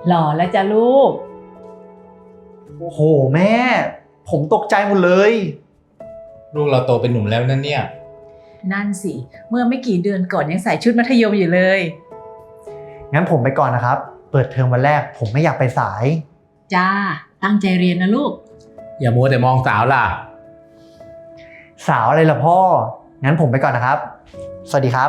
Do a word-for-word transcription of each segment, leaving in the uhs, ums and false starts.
หล่อแล้วจ้ะลูกโอ้โหแม่ ผมตกใจหมดเลยลูกเราโตเป็นหนุ่มแล้วนั่นเนี่ยนั่นสิเมื่อไม่กี่เดือนก่อนยังใส่ชุดมัธยมอยู่เลยงั้นผมไปก่อนนะครับ เปิดเทอมวันแรกผมไม่อยากไปสายจ้าตั้งใจเรียนนะลูกอย่ามัวแต่มองสาวล่ะสาวอะไรล่ะพ่อ งั้นผมไปก่อนนะครับ สวัสดีครับ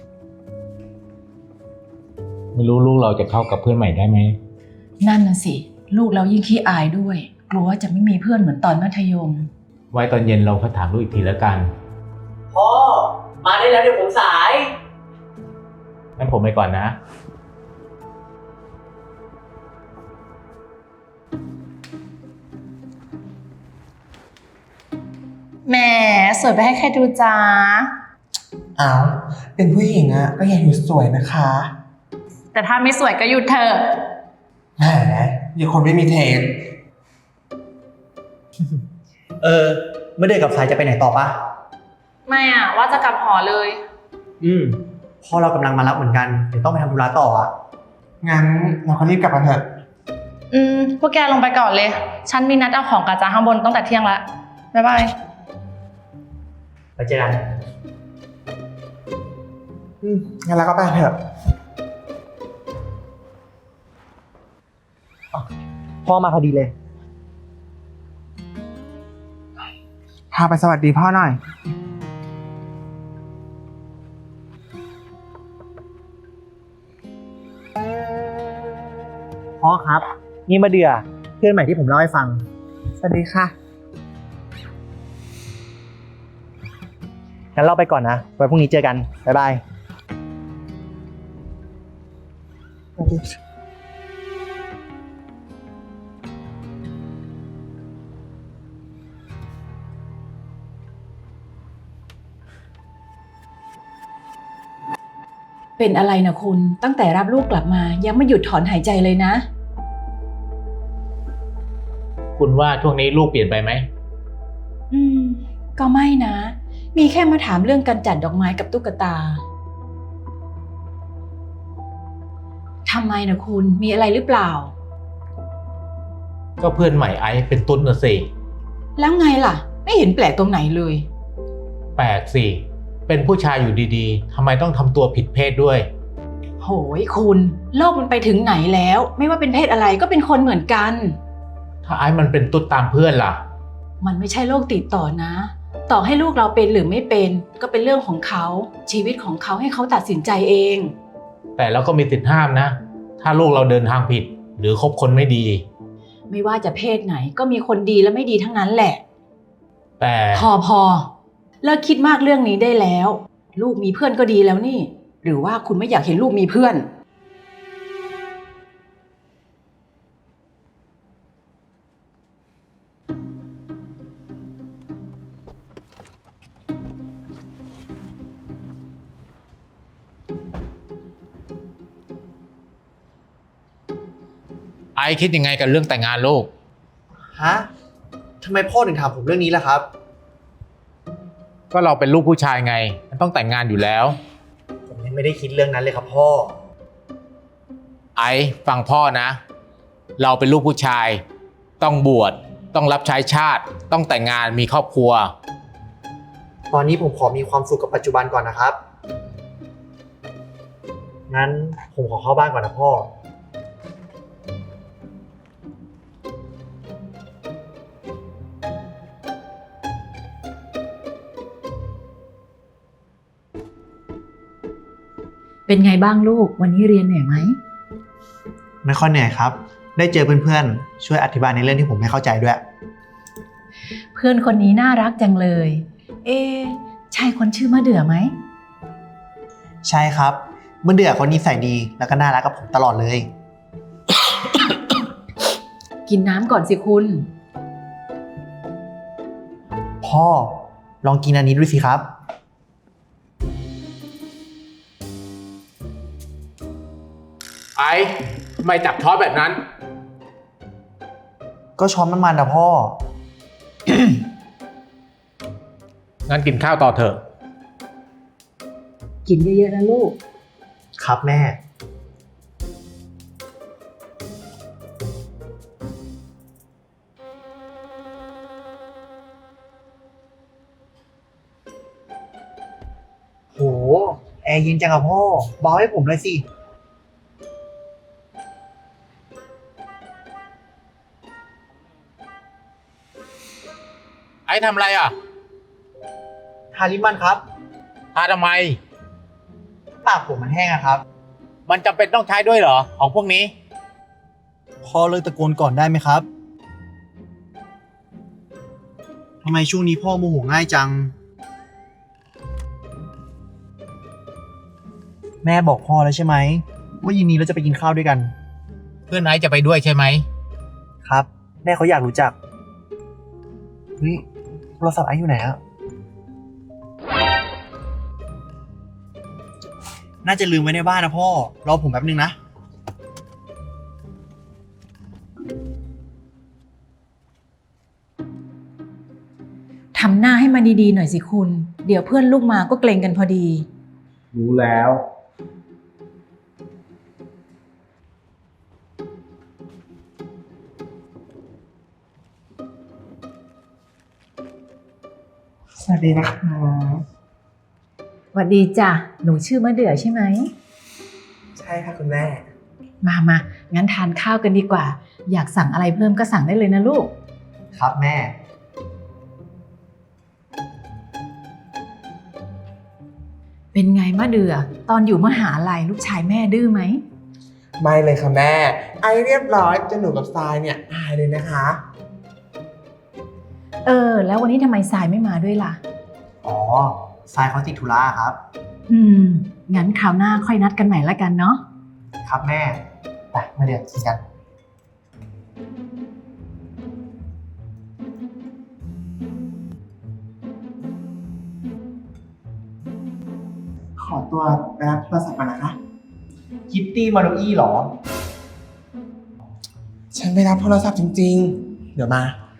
ไม่รู้ลูกเราจะเข้ากับเพื่อนใหม่ได้ไหมนั่นน่ะสิลูกเรายิ่งขี้อายด้วยกลัวว่าจะไม่มีเพื่อนเหมือนตอนมัธยมไว้ตอนเย็นเราค่อยถามลูกอีกทีแล้วกันพ่อ มาได้แล้วเดี๋ยวผมสายงั้นผมไปก่อนนะแหมสวยไปให้ใครดูจ้าอ้าวเป็นผู้หญิงอะก็อย่าหยุดสวยนะคะแต่ถ้าไม่สวยก็หยุดเถอะแหมอย่าคนไม่มีเทสเออเมื่อเดือนกับสายจะไปไหนต่อปะไม่อะว่าจะกลับหอเลยอืมพ่อเรากำลังมารับเหมือนกัน เดี๋ยวต้องไปทำธุระต่ออ่ะงั้นเราก็รีบกลับกันเถอะอืมพวกแกลงไปก่อนเลย ฉันมีนัดเอาของกาจ้าข้างบนตั้งแต่เที่ยงละบ๊ายบายไปเจอกันอืมงั้นเราก็ไปเถอะพ่อมาพอดีเลยพาไปสวัสดีพ่อหน่อยพ่อครับ นี่มาเดือเพื่อนใหม่ที่ผมเล่าให้ฟังสวัสดีค่ะงั้นเราไปก่อนนะ ไว้พรุ่งนี้เจอกัน บ๊ายบายสวัสดีเป็นอะไรนะคุณตั้งแต่รับลูกกลับมายังไม่หยุดถอนหายใจเลยนะคุณว่าช่วงนี้ลูกเปลี่ยนไปไหมอืมก็ไม่นะ มีแค่มาถามเรื่องการจัดดอกไม้กับตุ๊กตาทำไมนะคุณมีอะไรหรือเปล่าก็เพื่อนใหม่ไอซ์เป็นตุ้นนะสิแล้วไงล่ะ ไม่เห็นแปลกตรงไหนเลยแปลกสิ เป็นผู้ชายอยู่ดีๆทำไมต้องทำตัวผิดเพศด้วยโหยคุณโลกมันไปถึงไหนแล้ว ไม่ว่าเป็นเพศอะไรก็เป็นคนเหมือนกันถ้าไอซ์มันเป็นตุ้นตามเพื่อนล่ะมันไม่ใช่โรคติดต่อนะ ต่อให้ลูกเราเป็นหรือไม่เป็นก็เป็นเรื่องของเขาชีวิตของเขาให้เขาตัดสินใจเองแต่เราก็มีสิทธิ์ห้ามนะ ถ้าลูกเราเดินทางผิด หรือคบคนไม่ดีไม่ว่าจะเพศไหนก็มีคนดีและไม่ดีทั้งนั้นแหละแต่พอพอเลิกคิดมากเรื่องนี้ได้แล้ว ลูกมีเพื่อนก็ดีแล้วนี่ หรือว่าคุณไม่อยากเห็นลูกมีเพื่อนไอซ์คิดยังไงกับเรื่องแต่งงานลูกฮะทำไมพ่อถึงถามผมเรื่องนี้ล่ะครับก็เราเป็นลูกผู้ชายไง มันต้องแต่งงานอยู่แล้วผมยังไม่ได้คิดเรื่องนั้นเลยครับพ่อไอซ์ฟังพ่อนะ เราเป็นลูกผู้ชาย ต้องบวชต้องรับใช้ชาติ ต้องแต่งงานมีครอบครัวตอนนี้ผมขอมีความสุขกับปัจจุบันก่อนนะครับ งั้นผมขอเข้าบ้านก่อนนะพ่อเป็นไงบ้างลูกวันนี้เรียนเหนื่อยไหมไม่ค่อยเหนื่อยครับ ได้เจอเพื่อนๆ ช่วยอธิบายในเรื่องที่ผมไม่เข้าใจด้วยเพื่อนคนนี้น่ารักจังเลย เอะใช่คนชื่อมะเดื่อไหมใช่ครับเมื่อเดือเขานิสัยดีแล้วก็น่ารักกับผมตลอดเลยกินน้ำก่อนสิคุณพ่อลองกินอันนี้ดูสิครับไอซ์ทำไมจับช้อนแบบนั้นก็ช้อนมันมันนะพ่องั้นกินข้าวต่อเถอะกินเยอะๆนะลูกครับแม่โห แอร์เย็นจังอะพ่อเบาให้ผมเลยสิไอ้ทำอะไรอ่ะทาลิปมันครับทาทำไมปากผมมันแห้งอะครับมันจำเป็นต้องใช้ด้วยเหรอ ของพวกนี้พ่อเลิกตะโกนก่อนได้ไหมครับ ทำไมช่วงนี้พ่อโมโหง่ายจัง แม่บอกพ่อแล้วใช่ไหมว่าเย็นนี้เราจะไปกินข้าวด้วยกันเพื่อนไอ้จะไปด้วยใช่ไหมครับ แม่เขาอยากรู้จักเฮ้ยโทรศัพท์ไอ้อยู่ไหนอะน่าจะลืมไว้ในบ้านนะพ่อ รอผมแป๊บนึงนะทำหน้าให้มันดีๆหน่อยสิคุณ เดี๋ยวเพื่อนลูกมาก็เกรงกันพอดีรู้แล้วสวัสดีนะคะหวัดดีจ้ะ หนูชื่อมะเดื่อใช่ไหมใช่ค่ะคุณแม่มามา งั้นทานข้าวกันดีกว่า อยากสั่งอะไรเพิ่มก็สั่งได้เลยนะลูกครับแม่เป็นไงมะเดื่อ ตอนอยู่มหาลัยลูกชายแม่ดื้อไหมไม่เลยค่ะแม่ ไอเรียบร้อยจนหนูกับทรายเนี่ยอายเลยนะคะเออ แล้ววันนี้ทำไมสายไม่มาด้วยล่ะอ๋อทรายเขาติดธุระครับอืม งั้นคราวหน้าค่อยนัดกันใหม่ละกันเนาะครับแม่ ไปมาเดี๋ยวกินกันขอตัวไปรับโทรศัพท์ก่อนนะคะคิตตี้มาโนอี้เหรอฉันไปรับโทรศัพท์จริงๆ เดี๋ยวมา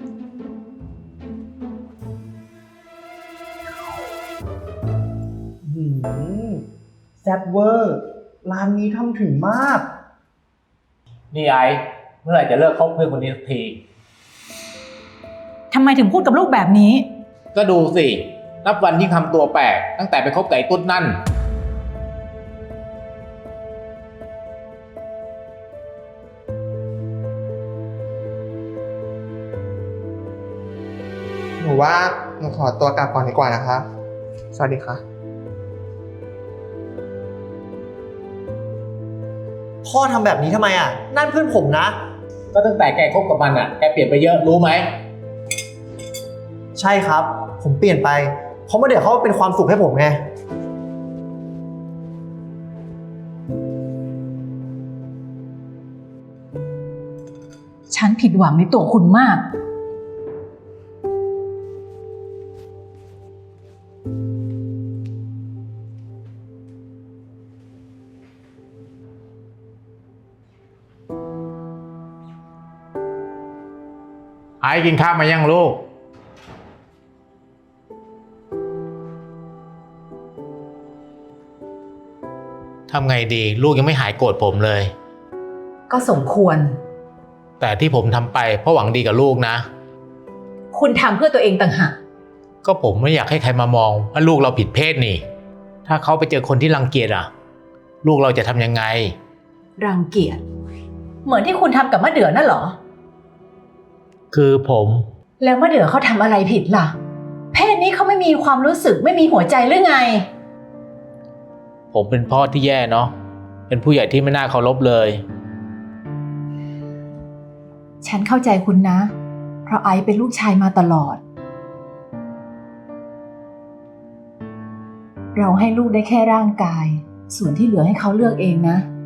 หืมแซ่บเวอร์ ร้านนี้ทำถึงมากนี่ไอ้ เมื่อไหร่จะเลิกคบเพื่อนคนนี้สักทีทำไมถึงพูดกับลูกแบบนี้ก็ดูสิ นับวันที่งทำตัวแปลก ตั้งแต่ไปคบกับไอ้ตุ๊ดนั่นหนูว่าหนูขอตัวกลับก่อนดีกว่านะคะ สวัสดีค่ะพ่อทำแบบนี้ทำไมอ่ะ นั่นเพื่อนผมนะก็ตั้งแต่แกคบกับมันอ่ะ แกเปลี่ยนไปเยอะรู้ไหมใช่ครับ ผมเปลี่ยนไป เพราะมาเดี๋ยวเขาเป็นความสุขให้ผมไงฉันผิดหวังในตัวคุณมากไอ้กินข้าวมายังลูก ทำไงดีลูกยังไม่หายโกรธผมเลยก็สมควรแต่ที่ผมทำไปเพราะหวังดีกับลูกนะคุณทำเพื่อตัวเองต่างหากก็ผมไม่อยากให้ใครมามองว่าลูกเราผิดเพศนี่ ถ้าเขาไปเจอคนที่รังเกียจอ่ะ ลูกเราจะทำยังไงรังเกียจ เหมือนที่คุณทำกับมะเดื่อนั่นเหรอคือผมแล้วมะเดื่อเขาทำอะไรผิดล่ะ เพศนี้เขาไม่มีความรู้สึกไม่มีหัวใจหรือไงผมเป็นพ่อที่แย่เนาะ เป็นผู้ใหญ่ที่ไม่น่าเคารพเลยฉันเข้าใจคุณนะ เพราะไอซ์เป็นลูกชายมาตลอด เราให้ลูกได้แค่ร่างกาย ส่วนที่เหลือให้เขาเลือกเองนะ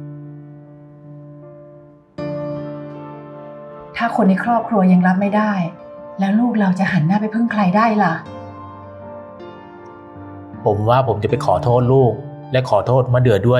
ถ้าคนในครอบครัวยังรับไม่ได้ แล้วลูกเราจะหันหน้าไปพึ่งใครได้ล่ะผมว่าผมจะไปขอโทษลูก และขอโทษมะเดื่อด้วย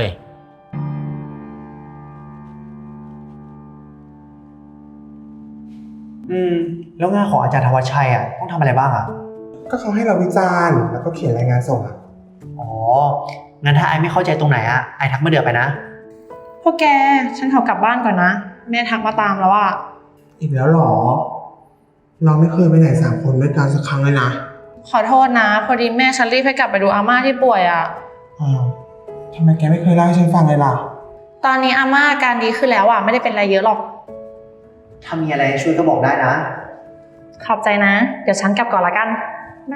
อืม แล้วงานของอาจารย์ธวัชชัยอ่ะต้องทำอะไรบ้างอ่ะก็เขาให้เราวิจารณ์แล้วก็เขียนรายงานส่งอะอ๋อ งั้นถ้าไอไม่เข้าใจตรงไหนอ่ะ ไอทักมาเดือไปนะพวกแก ฉันขอกลับบ้านก่อนนะ แม่ทักมาตามแล้วอะอีกแล้วเหรอ เราไม่เคยไปไหนสามคนด้วยกันสักครั้งเลยนะขอโทษนะ พอดีแม่ฉันรีบให้กลับไปดูอาม่าที่ป่วยอะอ้าวทำไมแกไม่เคยเล่าให้ฉันฟังเลยล่ะตอนนี้อาม่าอาการดีขึ้นแล้วอ่ะไม่ได้เป็นอะไรเยอะหรอกถ้ามีอะไรให้ช่วยก็บอกได้นะขอบใจนะ เดี๋ยวฉันกลับก่อนละกันได้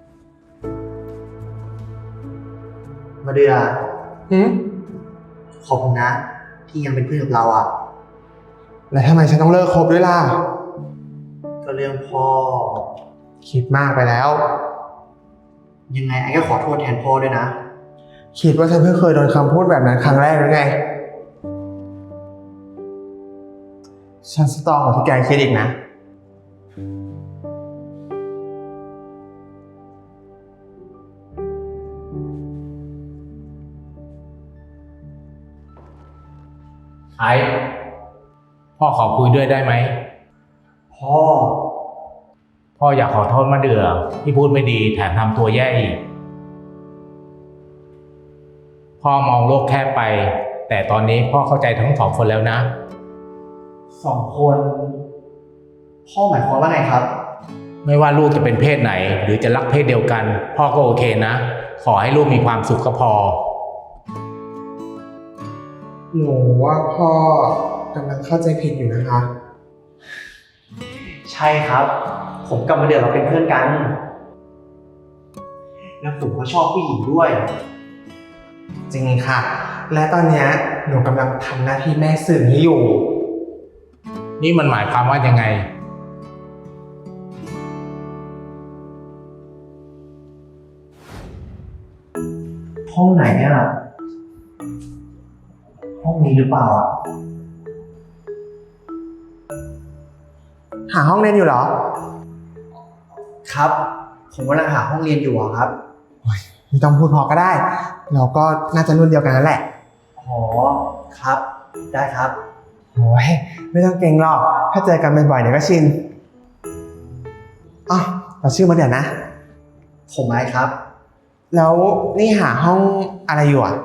มาเดือหืมขอบคุณนะ ที่ยังเป็นเพื่อนกับเราอ่ะแล้วทำไมฉันต้องเลิกคบด้วยล่ะก็เรื่องพ่อคิดมากไปแล้วยังไงไอ้ก็ขอโทษแทนพ่อด้วยนะคิดว่าฉันเพิ่งเคยโดนคำพูดแบบนั้นครั้งแรกหรือไง ฉันสตรองกว่าที่แกคิดอีกนะไอ้พ่อขอคุยด้วยได้ไหมพ่อพ่ออยากขอโทษมะเดื่อที่พูดไม่ดีแถมทำตัวแย่อีก พ่อมองโลกแคบไป แต่ตอนนี้พ่อเข้าใจทั้งสองคนแล้วนะสองคน พ่อหมายความว่าไงครับไม่ว่าลูกจะเป็นเพศไหน หรือจะรักเพศเดียวกัน พ่อก็โอเคนะ ขอให้ลูกมีความสุขก็พอหนูว่าพ่อกำลังเข้าใจผิดอยู่นะคะใช่ครับ ผมกับมาเดือเราเป็นเพื่อนกัน แล้วผมก็ชอบผู้หญิงด้วยจริงค่ะ และตอนเนี้ยหนูกำลังทำหน้าที่แม่สื่อนี้อยู่นี่มันหมายความว่ายังไงห้องไหนอ่ะ ห้องนี้หรือเปล่าอ่ะหาห้องเรียนอยู่เหรอครับ ผมกำลังหาห้องเรียนอยู่อะครับไม่ต้องพูดพอก็ได้ เราก็น่าจะรุ่นเดียวกันนั่นแหละอ๋อ ครับ ได้ครับโอ้ยไม่ต้องเกรงหรอก ถ้าเจอกันบ่อยๆเดี๋ยวก็ชินอ๋อเราชื่อมาเดี๋ยวนะผมไม้ครับแล้วนี่หาห้องอะไรอยู่อ่ะ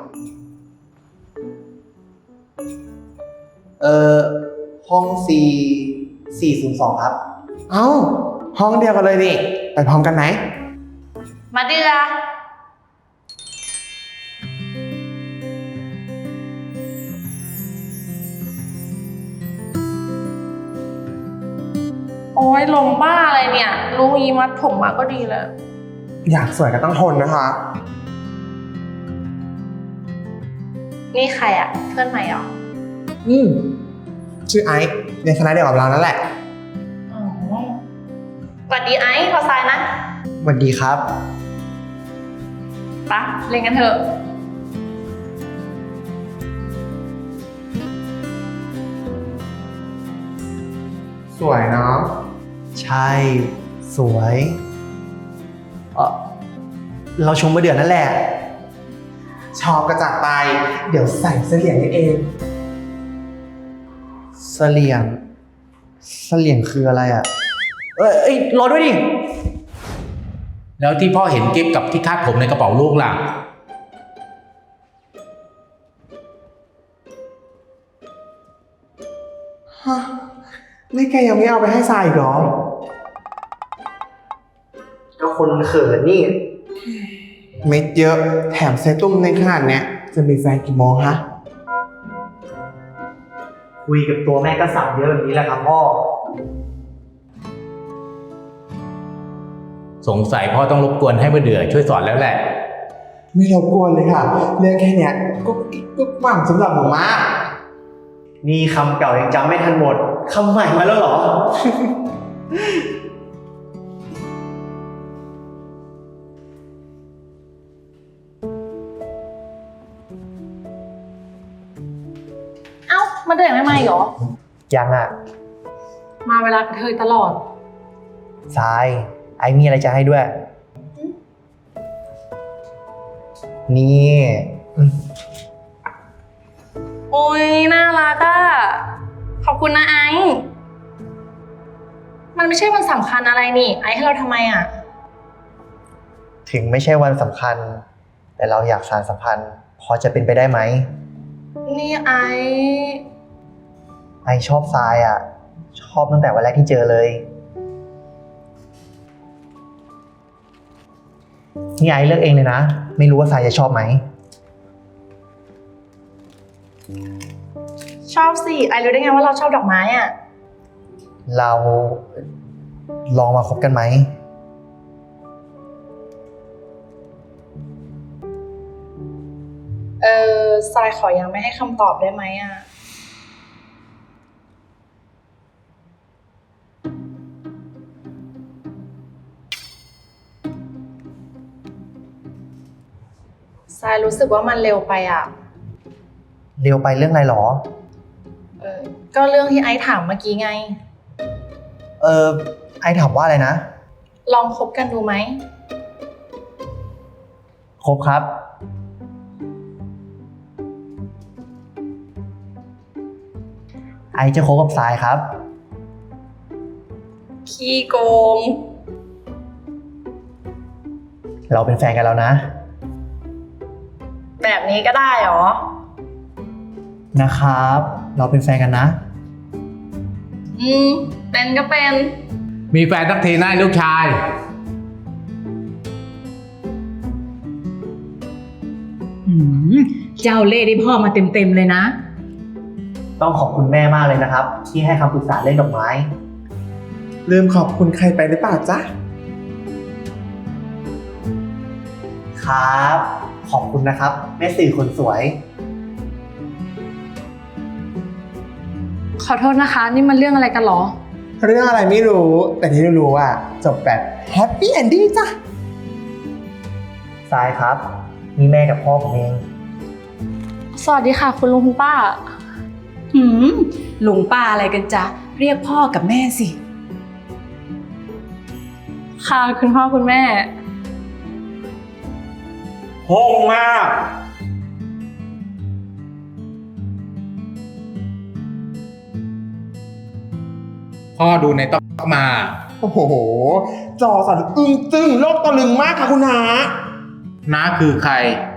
เอ่อ ห้อง C สี่ศูนย์สองครับเอ้า ห้องเดียวกันเลยนี่ ไปพร้อมกันไหมมาเดือโอ้ยลมบ้าอะไรเนี่ย รู้ยีมัดผมมาก็ดีแล้วอยากสวยก็ต้องทนนะคะนี่ใครอ่ะ เพื่อนใหม่เหรออืมชื่อไอซ์เรียนคณะเดียวกับเรานั่นแหละอ๋อสวัสดีไอซ์พอทรายนะสวัสดีครับปะเล่นกันเถอะสวยเนาะใช่ สวย เออเราชมมาเดือนนั่นแหละชอบกระจากไป เดี๋ยวใส่เสื้อเหลี่ยงให้เองเสลียง เสลียงคืออะไรอ่ะ เอ้ยเอ้ยรอด้วยดิแล้วที่พ่อเห็นกิฟกับที่คาดผมในกระเป๋าลูกล่ะฮะ นี่แกยังไม่เอาไปให้ทรายอีกเหรอก็คนเขินนี่เม็ดเยอะ แถมเซตุ้มในขนาดเนี้ย จะมีแฟนกี่โมงฮะคุยกับตัวแม่ก็สั่งเยอะแบบนี้แหละครับพ่อสงสัยพ่อต้องรบกวนให้มะเดื่อช่วยสอนแล้วแหละไม่รบกวนเลยค่ะ เรื่องแค่เนี้ยก็ก็หวังสำหรับหนูมากนี่คำเก่ายังจำไม่ทันหมด คำใหม่มาแล้วเหรอเอ้า มาเดือไม่มาอีกเหรอยังอ่ะมาเวลากระเทยตลอดทราย ไอ้มีอะไรจะให้ด้วย นี่อืมโอ้ยน่ารักอะขอบคุณนะไอซ์มันไม่ใช่วันสำคัญอะไรนี่ ไอซ์ให้เราทำไมอะถึงไม่ใช่วันสำคัญ แต่เราอยากสานสัมพันธ์ พอจะเป็นไปได้ไหมนี่ไอซ์ไอชอบทรายอ่ะ ชอบตั้งแต่วันแรกที่เจอเลย นี่ไอเลือกเองเลยนะ ไม่รู้ว่าทรายจะชอบไหมชอบสิ ไอรู้ได้ไงว่าเราชอบดอกไม้อ่ะเราลองมาคบกันไหมเออทรายขอยังไม่ให้คำตอบได้ไหมอ่ะ ทรายรู้สึกว่ามันเร็วไปอ่ะเร็วไปเรื่องอะไรหรอเออ ก็เรื่องที่ไอซ์ถามเมื่อกี้ไงเออไอถามว่าอะไรนะลองคบกันดูไหมครบครับ ไอจะคบกับสายครับขี้โกงเราเป็นแฟนกันแล้วนะแบบนี้ก็ได้เหรอนะครับ เราเป็นแฟนกันนะอืม เป็นก็เป็นมีแฟนสักทีนะไอ้ลูกชายหืมเจ้าเล่ห์ได้พ่อมาเต็มๆเลยนะต้องขอบคุณแม่มากเลยนะครับ ที่ให้คำปรึกษาเรื่องดอกไม้ลืมขอบคุณใครไปหรือเปล่าจ๊ะครับ ขอบคุณนะครับ แม่สื่อคนสวยขอโทษนะคะ นี่มันเรื่องอะไรกันเหรอเรื่องอะไรไม่รู้ แต่ที่รู้ๆอ่ะจบแบบแฮปปี้เอนดิ้งจ้ะทรายครับ นี่แม่กับพ่อผมเองสวัสดีค่ะ คุณลุงคุณป้าหืมลุงป้าอะไรกันจ๊ะ เรียกพ่อกับแม่สิค่ะ คุณพ่อคุณแม่โหงมากพ่อดูในต๊อกมาโอ้โห จอสั่นอึ้งตึ้งโลกตะลึงมากค่ะคุณนาน้าคือใคร